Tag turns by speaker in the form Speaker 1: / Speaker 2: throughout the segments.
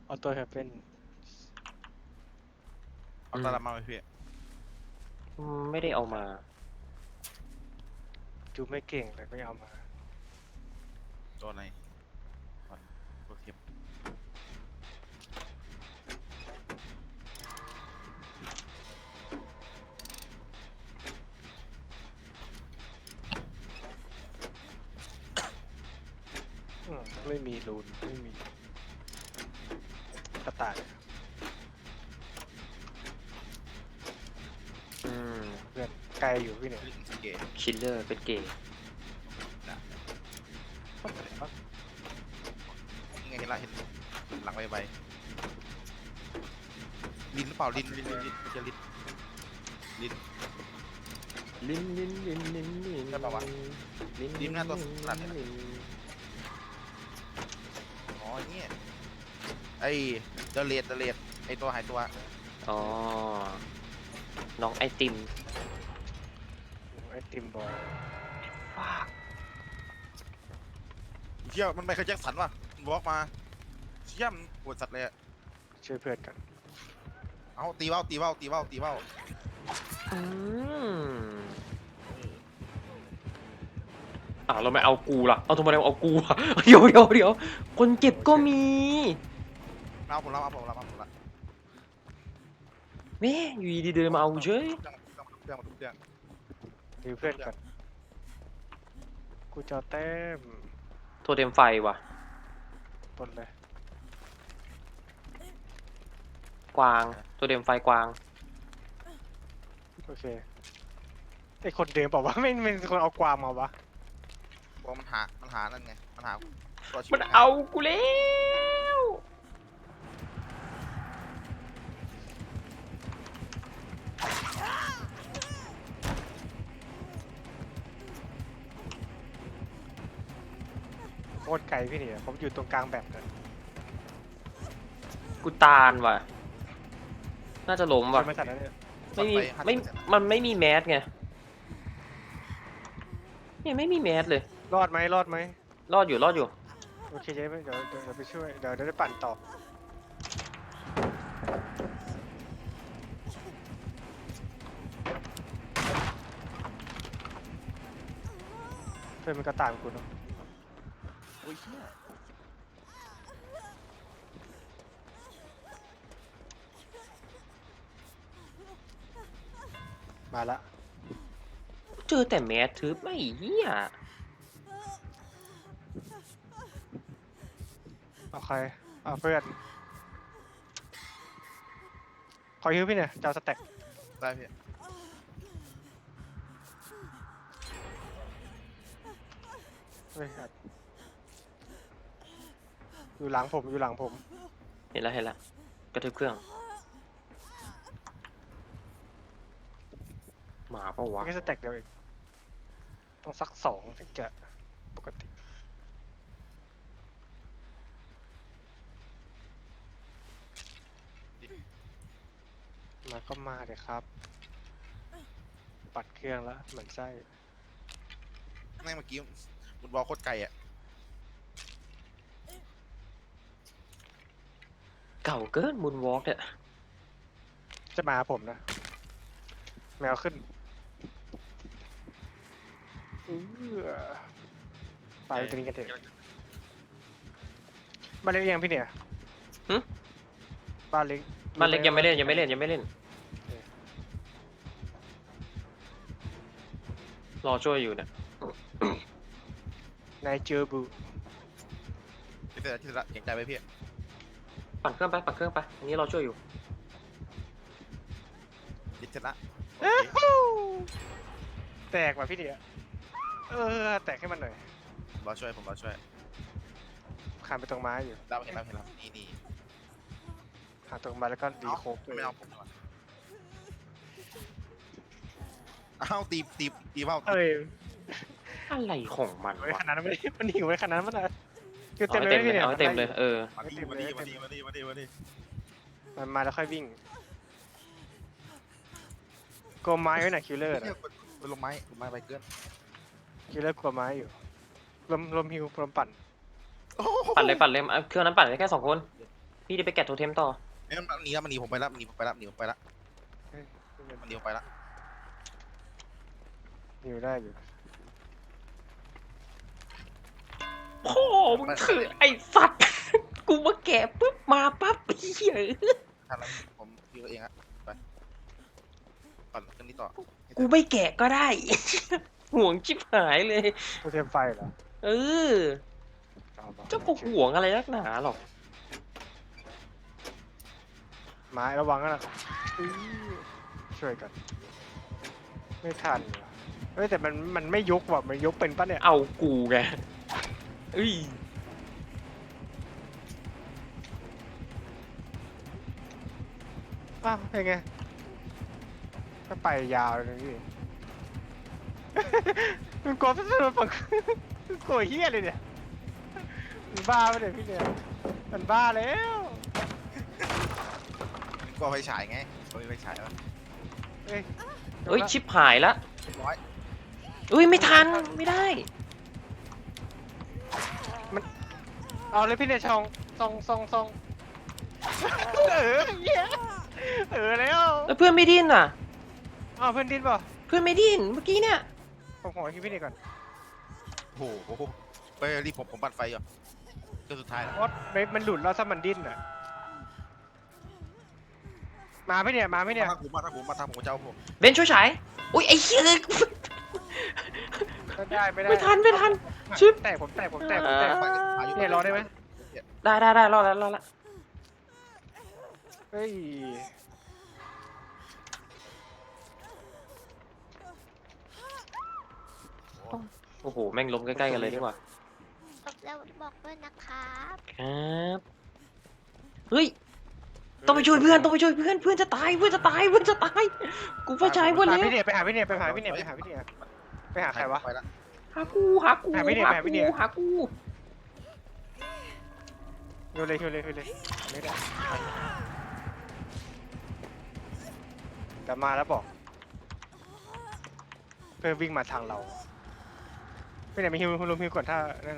Speaker 1: ออโต้แฮปเป็น
Speaker 2: เอาตาละมาไหมพี่
Speaker 3: ไม่ได้เอามา
Speaker 1: ดูไม่เก่งเลยไม่เอามา
Speaker 2: ตัวไหนตัวเข็ม
Speaker 1: ไม่มีรูนไม่มีกระต่าย
Speaker 3: อืม
Speaker 1: เพื่อนไกลอยู่พี่เนี่ย
Speaker 2: ลิงสเกต
Speaker 3: คิลเลอร์เป็นเกย์
Speaker 2: ยังไงเห็นละเห็นหลังใบลิ้นหรือเปล่าลิ้นไม่ใช่ลิ้น
Speaker 3: ลิ้น
Speaker 2: ใช่ปะวะลิ้นหน้าตัวขนาดนี้นะ อ๋อเนี่ยไอเดเลดไอตัวหายตัว
Speaker 3: อ๋อ น้องไอติม
Speaker 1: ไอติมบอย
Speaker 2: เชี่ยมันไมเคิลแจ็คสันว่ะมันบล็อกมาเชี่ยมันปวดสัตว์เลยอะ
Speaker 1: ช่วยเพื่อนกัน
Speaker 2: เอาตีเบ้า
Speaker 3: อืมเราไม่เอากูล่ะ เอาทำไมเราเอากูล่ะ เดี๋ยวคนเก็บก็มี
Speaker 2: เอาผมรับ
Speaker 3: แม่อยู่ดีๆเดินมาเอาเฉย
Speaker 2: เครื่อง
Speaker 1: ดูเพื่อนกันกูจะเอาแต้ม
Speaker 3: โทเทมไฟว่ะ
Speaker 1: บนเลย
Speaker 3: กวาง โทเทมไฟกวาง
Speaker 1: โอเคไอคนเดิมบอกว่าไม่เป็นคนเอากวางมาวะ
Speaker 2: เพราะมันหานั่นไงมันหาตัวชีวิ
Speaker 3: มั
Speaker 2: ต
Speaker 3: นเอากูแล้ว
Speaker 1: โคตรไกลพี่เนี่ยผมอยู่ตรงกลางแบบกัน
Speaker 3: กูตาลว่ะ น่าจะล้มว่ะ
Speaker 1: ใช่ไหมสัตว์นั้นเนี่ย
Speaker 3: มันไม่มีแมสไงเนี่ยไม่มีแมสเลย
Speaker 1: รอดไหม
Speaker 3: รอดอยู่
Speaker 1: โอเคเดี๋ยวไปช่วยเดี๋ยวได้ปั่นต่อเพื่อนมันก็ตามกูเนาะ
Speaker 2: โอ้ยเชี่ย
Speaker 1: มาละ
Speaker 3: เจอแต่แมสทึบไม่เหี้ย
Speaker 1: เอาใครเอาเพื่อนขอฮิวพี่เนี่ยจะเอาสแต็ก
Speaker 2: ได้พี่
Speaker 1: เฮ้ยอัดอยู่หลังผมอยู่หลังผม
Speaker 3: เห็นแล้วกระทืบเครื่องหมาปะวะ
Speaker 1: แค่สแต็กเดียวเองต้องสัก2ถึงจะปกติมาก็มาเลยครับ ปัดเครื่องแล้วเหมือนไส้
Speaker 2: แม่งเมื่อกี้มันบอลโคตรไกลอ่ะ
Speaker 3: เก่าเกินมูนวอล์กเนี่ย
Speaker 1: จะมาหาผมนะ แมวขึ้นไปตรงนี้กันเถอะบ้านเล็กยังพี่เนี่ยบ้านเล็ก
Speaker 3: บ้านเล็กยังไม่เล่น รอช่วยอยู่เนี่ย
Speaker 1: นายเจอบู
Speaker 2: ที่เสร็จละเก่งใจไปพี่
Speaker 3: ปั่นเครื่องไปอันนี้รอช่วยอยู่
Speaker 2: ยิดเสร็จละ
Speaker 1: แตกว่ะพี่เนี่ยแตกให้มันหน่อย
Speaker 2: ผมรอช่วย
Speaker 1: ขานไปตรงไม้อยู่
Speaker 2: เห็นแล้วนี่
Speaker 1: หาตรงไม้แล้วก็ดีโคก
Speaker 2: ไม่เอาผมดีกว่าอ้าวตีเบ้า
Speaker 1: เอ้ย
Speaker 3: อะไรของมัน
Speaker 1: ไว้
Speaker 3: วะ
Speaker 1: ขนาดนั้นไม่ได้มันหิวไว้ขนาดนั้นมันอะคือ
Speaker 3: เอา
Speaker 1: เต็ม
Speaker 3: ให้
Speaker 1: เลย
Speaker 3: เต็ม
Speaker 1: พี่
Speaker 3: เลย
Speaker 1: เนี่ย
Speaker 3: เอาให้เต็มเลย
Speaker 2: มาดิ
Speaker 1: มันมาแล้วค่อยวิ่งกลัวไม้ไว้หน่ะคิลเลอร์
Speaker 2: ลงไม้ไปเกิน
Speaker 1: คิลเลอร์กลัวไม้อยู่ลมฮิวลมปั่น
Speaker 3: ปั่นเลยเอาเครื่องนั้นปั่นได้แค่2 คนพี่จะไปแกะโทเทมต่อ
Speaker 2: เอ้ยมันหนีแล้วมันหนีผมไปแล้วมันหนีผมไปแล้วมันหนีผมไปแล้ว
Speaker 1: เฮ้ย
Speaker 2: มันหนีผมไปแล้ว
Speaker 1: อยู่ได้อยู่
Speaker 3: พ่อมึงถือไอ้สัตว์ กูมาแกะปุ๊บมาปั๊บเหี้ย
Speaker 2: ทันแล้วผมยิงตัวเองอะไปปั่นขึ้นนี่ต่อ
Speaker 3: กูไม่แกะก็ได้ ห่วงชิบหายเลย
Speaker 1: โทเทมไฟเหรอ
Speaker 3: เออ
Speaker 1: เอามา
Speaker 3: เจ้าก็ห่วงอะไรนักหนาหรอก
Speaker 1: ไม้ระวังนะอื้อช่วยกัน ไม่ทันว่ะเฮ้ยแต่มันไม่ยุกว่ะมันยุกเป็นปะเนี่ย
Speaker 3: เอากูไงเอ้ย
Speaker 1: อ้าวเป็นไงก็ไปยาวเลยพี่ มันกลัวมันปังกลัวเฮี้ยเลยเนี่ยมันบ้าไปเลยพี่เนี่ยมันบ้าแล้ว
Speaker 2: ก็ไฟฉายไงก็ไฟฉายแล้ว
Speaker 1: เอ้ย
Speaker 3: เอ้ยชิบหายละ
Speaker 2: เรียบร้อย
Speaker 3: เอ้ยไม่ทันไม่ได้
Speaker 1: เอาเลยพี่เนี่ยชองซองเหี้ยแล้ว
Speaker 3: แล้วเพื่อนไม่ดิ้นอ่ะ
Speaker 1: อ้าวเพื่อนดินป่ะ
Speaker 3: เพื่อนไม่ดิ้นเมื่อกี้เนี่ย
Speaker 1: ผมขอคิดพี่เนี่ยก่อน
Speaker 2: โอ้โหไปรีบผมปั่นไฟอยู่ก็สุดท้ายแล้ว
Speaker 1: เพราะมันหลุดแล้วถ้ามันดิ้นอ่ะมาพี่เนี่ยมาพี่เนี่ย
Speaker 2: มาทางผมมาทางผมเจ้าผม
Speaker 3: เบนช่วยฉายอุ้ยไอ้เหี้ย
Speaker 1: ไม่ได้
Speaker 3: ไม่ทันชิบ
Speaker 1: ผมแตก
Speaker 2: ไปอยู่
Speaker 1: เนี่ยรอได้ไหม
Speaker 3: ได้รอดแล้ว
Speaker 1: เฮ้ย
Speaker 3: โอ้โหแม่งล้มใกล้ๆกันเลยดีกว่า
Speaker 4: แล้วบอกด้วยนะครับ
Speaker 3: ครับเฮ้ยต้องไปช่วยเพื่อนเพื่อนจะตายกูไปฉายหมด
Speaker 1: หา
Speaker 3: แล้ว
Speaker 1: พี่เนี่ยไปหาพี่เนี่ยไปหาใครวะ
Speaker 2: ไปแล้ว
Speaker 3: หากู
Speaker 1: หาพี่เนี่ย
Speaker 3: หากู
Speaker 1: ฮิวเลยไม่ได้แต่มาแล้วบอกเพื่อวิ่งมาทางเราพี่เนี่ยมีฮิวลงฮิวก่อนถ้านั่น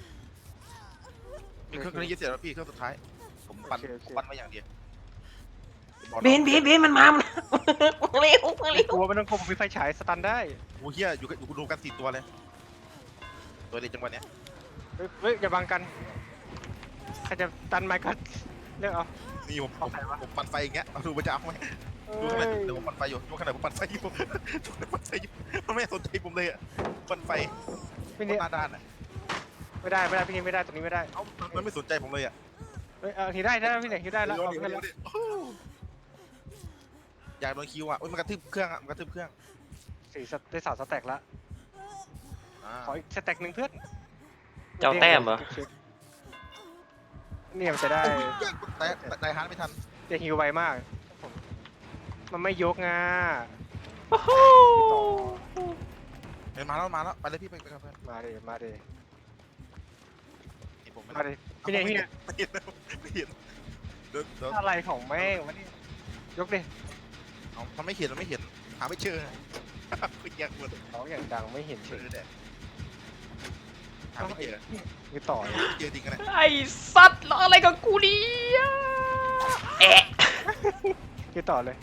Speaker 2: เครื่องนี้ยึดเสร็จแล้วพี่เครื่องสุดท้ายผมปั่น
Speaker 1: โอเค
Speaker 2: ผมปั่นไว้อย่างเดียว
Speaker 3: เบนมันมาเร็ว
Speaker 1: ไม่กลัวไม่ต้องกลัวผมมีไฟฉายสตันได้
Speaker 2: โอ้เฮียอยู่รวมกัน4ตัวเลยตัวเดียวจังหวะเนี้ย
Speaker 1: เฮ้ยอย่าบังกันใครจะตันไมค์ก็เลือกเอา
Speaker 2: นี่ผมปั่นไฟอย่างเงี้ยดูมันจะเอาไหมดูขนาดเดี๋ยวผมปั่นไฟอยู่ดูขนาดผมปั่นไฟอยู่มันไม่สนใจผมเลยอ่ะปั่นไฟ
Speaker 1: พี่เนี่ย
Speaker 2: หน้าด้านอ่ะ
Speaker 1: ไม่ได้พี่เนี่ยไม่ได้ตรงนี้ไม่ได้
Speaker 2: เอ้ามันไม่สนใจผมเลยอ่ะ
Speaker 1: เฮ้ยฮิวได้พี่เนี่ยฮิวได้แล้ว
Speaker 2: เดี๋ยวอยากโดนคิวอ่ะมันกระทืบเครื่องอ่ะมันกระทืบเครื่อง
Speaker 1: ได้3 สแต็กแล้วขออีกสแต็กหนึ่งเพื่อน
Speaker 3: เจ้าแต้มเหรอ
Speaker 1: เนี่ยมันจะได้
Speaker 2: แต่ฮาร์ดไม่ทัน
Speaker 1: จะฮิวไวมาก มันไม่ยกงา
Speaker 2: เห็นมาแล้วไปเลยพี่ไปกับเพื่อน
Speaker 1: มาดิ
Speaker 2: เห็นผมไหม
Speaker 1: มาดิพี่เนี่ย
Speaker 2: ไม่เห็นเดี๋ยว
Speaker 1: อะไรของแม่งวะนี่ยกดิ
Speaker 2: มันไม่เห็นหาไม่เจอคือแยกหมด
Speaker 1: ร้องอย่างดังไม่เห็นเฉ
Speaker 2: เจอย แดดหาไม่เจอ
Speaker 1: คือต่อเลย
Speaker 2: เจอจริงกันเลย
Speaker 3: ไอ้สัตว์ล้ออะไรกับกูเนี่ยแอะ
Speaker 1: คือต่อเลย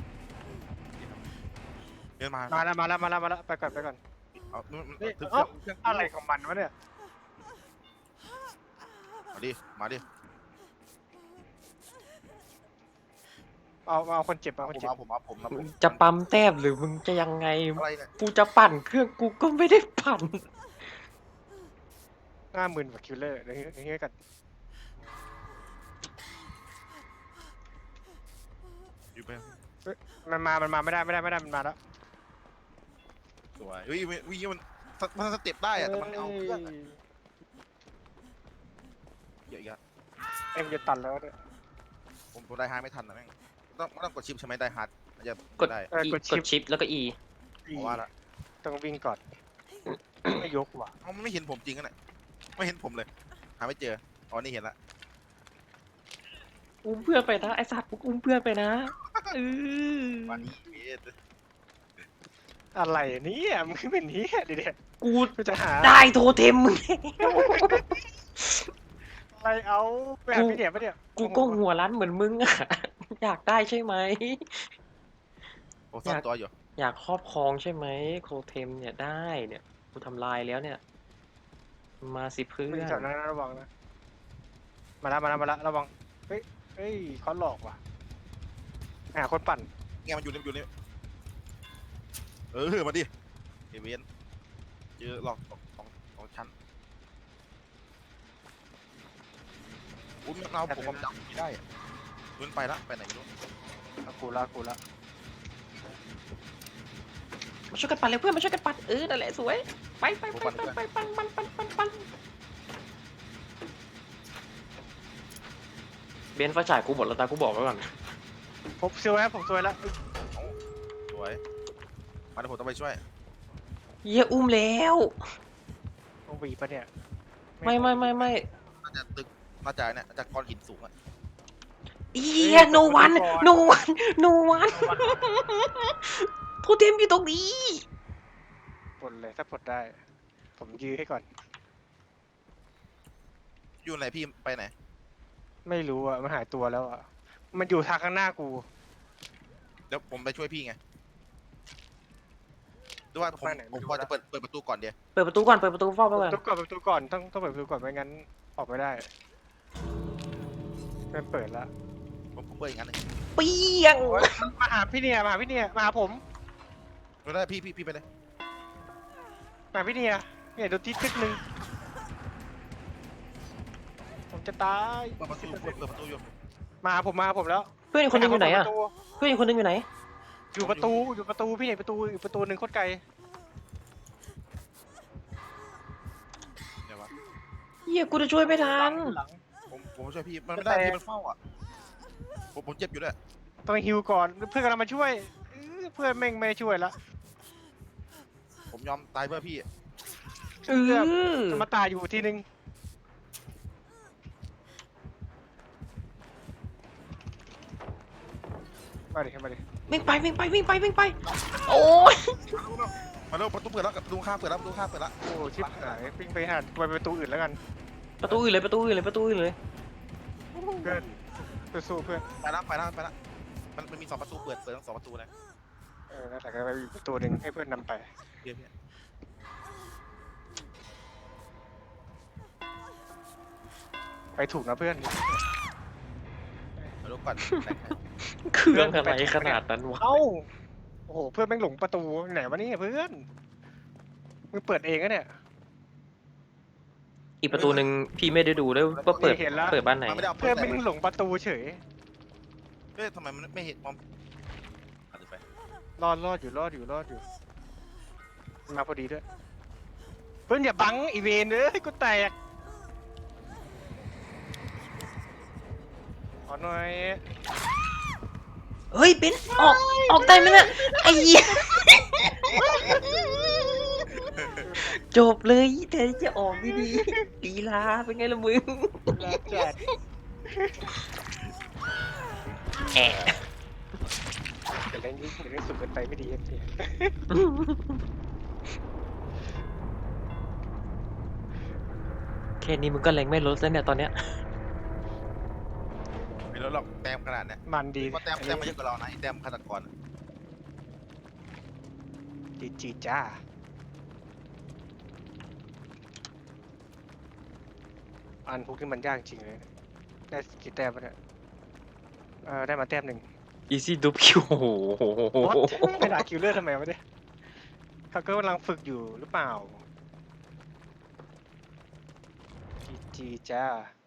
Speaker 2: เดินมา
Speaker 1: มาแล้วไปก่อน
Speaker 2: เอา
Speaker 1: เฮ้ย
Speaker 2: เครื่อง
Speaker 1: อะไรของมันวะเนี่ย
Speaker 2: มาดิ
Speaker 1: เอาคนเจ็บ
Speaker 2: ผม
Speaker 3: มึงจะปั๊มแต้มหรือมึงจะยังไง
Speaker 2: อะไรเนี่ย
Speaker 3: กูจะปั่นเครื่องกูก็ไม่ได้ปั่น
Speaker 1: 50,000กว่าคิลเลอร์เดี๋ยวนี้กัน
Speaker 2: อยู่ไป
Speaker 1: มันมาไม่ได้มันมาแล้ว
Speaker 2: สวยวิ่งมันสเต็ปได้อะแต่มันเอาเครื่องเยอะอีกอะ
Speaker 1: เอ็มจะตันแล้วเนี่ย
Speaker 2: ผมได้ฮาร์ดไม่ทันนะแม่งต้องกดชิปใช่ไหมได้ฮาร์ดมันจะ
Speaker 3: กด
Speaker 2: ได้
Speaker 3: กดชิปแล้วก็ E
Speaker 2: เพราะว่าละ
Speaker 1: ต้องวิ่งก่อนไม่ยกว่ะ
Speaker 2: มันไม่เห็นผมจริงกันเนี่ยไม่เห็นผมเลยหาไม่เจออ๋อนี่เห็นละ
Speaker 3: อุ้มเพื่อนไปนะไอ้สัตว์อุ้มเพื่อนไปนะ
Speaker 2: วันนี้เบส
Speaker 1: อะไรเนี่ยมึงเป็นนี้ดิเด็ด
Speaker 3: กู
Speaker 1: กูจะหา
Speaker 3: ได้โทเทมมึง
Speaker 1: อะไรเอาไปหาพี่เดียปะเนี่ย
Speaker 3: กูก็หัวร้านเหมือนมึงอะ อยากได้ใช่ไหม
Speaker 2: ผมซ่อนตัวอยู่
Speaker 3: อยากครอบครองใช่ไหมโคเทมเนี่ยได้เนี่ยกูทำลายแล้วเนี่ย มาสิเพื่
Speaker 1: ไม่
Speaker 3: อ
Speaker 1: แถวน นั้นนะระวังนะมาละระวังเฮ้ยเขาหลอกว่ะหาคนปั่น
Speaker 2: ไงมันอยู่นี่มาดิเอเวนเจอหลอกของชั้นอุ้ยมันเอาผมจำไม่ได้มันไปละไปไหนไม่รู้
Speaker 1: กูละ
Speaker 3: มาช่วยกันปั่นเลยเพื่อนมาช่วยกันปั่นนั่นแหละสวยไปปั่นเบนซ์ไฟฉายกูหมดแล้วตากูบอกไว้ก่อน
Speaker 1: ผมซวยแล้ว
Speaker 2: สวยมาเดี๋ยวผมต้องไปช่วย
Speaker 3: เยี่ยอุ้มแล้ว
Speaker 1: ต้องบีบปะเนี่ย
Speaker 3: ไม่
Speaker 2: น่าจะตึกน่าจะเนี่ยน่าจะก้อนหินสูงอะ
Speaker 3: เยี่ยโนวันโทเทมอยู่ตรงนี้
Speaker 1: ปลดเลยถ้าปลดได้ ผมยื้อให้ก่อน
Speaker 2: อยู่ไหนพี่ไปไหน
Speaker 1: ไม่รู้อ่ะมันหายตัวแล้วอ่ะมันอยู่ทางข้างหน้ากู
Speaker 2: เดี๋ยวผมไปช่วยพี่ไงด้วยว่าผมพอจะเปิดประตูก่อนเดียว
Speaker 3: เปิดประตูก่อนเปิดประตูเฝ้าไปก่อน
Speaker 1: เปิดประตูก่อนต้องเปิดประตูก่อนไม่งั้นออกไม่ได้ไม่เปิดละ
Speaker 2: ผมเปิดอย่างนั้นเลย
Speaker 3: เปี้ยง
Speaker 1: มันมาหาพี่เนี่ยมาหาผม
Speaker 2: ไม่ได้พี่ไปเลย
Speaker 1: มาพี่เนี่ยโดนที่ตึกนึงผมจะตาย
Speaker 2: เปิดประตูอยู่
Speaker 1: มาหาผมแล้ว
Speaker 3: เพื่อนอีกคนนึงอยู่ไหนอะเพื่อนอีกคนนึงอยู่ไหน
Speaker 1: อยู่ประตูพี่เนี่ยประตูอีกประตูหนึ่งโคตรไกล
Speaker 2: เดี๋ยววะ
Speaker 3: เยี่ยกูจะช่วยไม่ทัน
Speaker 1: หลัง
Speaker 2: ผมช่วยพี่มันไม่ได้พี่มันเฝ้าอ่ะผมเจ็บอยู่ด้วย
Speaker 1: ต้องฮิวก่อนเพื่อนกำลังมาช่วยเพื่อนแม่งไม่ช่วยละ
Speaker 2: ผมยอมตายเพื่อพี่
Speaker 1: จะมาตายอยู่ทีนึงมาดิ
Speaker 3: วิ่งไปโอ้ย
Speaker 2: มาเร็วประตูเปิดแล้วประตูข้างเปิดแล้วประตูข้างเปิดแล้ว
Speaker 1: โอ้ชิบหายปิ้งไปหาไปประตูอื่นแล้วกัน
Speaker 3: ประตูอื่นเลย
Speaker 1: เพื่อนสู้เพื่อน
Speaker 2: ไปละมันมี2ประตูเปิดทั้ง2ประตูเลย
Speaker 1: นั่นแหละก็ไปอีกประตูหนึ่งให้เพื่อนนำไป
Speaker 2: พี่
Speaker 1: ไปถูกนะเพื่อน
Speaker 2: มาดูก่อน
Speaker 3: เครื่องอะไรขนาดนั้นวะ
Speaker 1: เอ้าโอ้โหเพื่อนแม่งหลงประตูไหนวะนี่เพื่อนมึงเปิดเองอะเนี่ย
Speaker 3: อีกประตูหนึ่งพี่ไม่ได้ดูด้วยว่าเปิด
Speaker 1: เห็นแล้ว
Speaker 3: เปิดบ้านไหน
Speaker 2: มันไม่ได้เอา
Speaker 1: เพื่อนแม่งหลงประตูเฉย
Speaker 2: ทำไมมันไม่เห็นมองไป
Speaker 1: รอดอยู่มาพอดีด้วยเพื่อนอย่าบังอีเวนเอ้ยกูแตกขอหน่อย
Speaker 3: เฮ้ยเบนซ์ออกได้ไหมเนี่ยไอ้เหี้ยจบเลยแทนที่จะออกดีๆลีลาเป็นไงล่ะมึง
Speaker 1: แล้วจัด
Speaker 3: แอะ
Speaker 1: แต่เล่นยิ่งเล่นสุดเกินไปไม่ดีเพีย
Speaker 3: แค่นี้มึงก็แรงไม่ลดแล้วเนี่ยตอนเนี้ย
Speaker 2: ไม่รู้หรอกแต้มขนาดเนี้ย
Speaker 1: มันดี
Speaker 2: ว่าแต้มมาเยอะกว่าเรานะไอ้แต้มฆาตกร
Speaker 1: จีจ้าอันพวกนี้มันยากจริงเลยได้กี่แต้มวะเนี่ยได้มาแต้มหนึ่ง
Speaker 3: อีซี่ดูคิวโอ้โห
Speaker 1: ไม่ด่าคิวเลอร์ทำไมวะเนี่ยเขาก็กำลังฝึกอยู่หรือเปล่าจีจ้า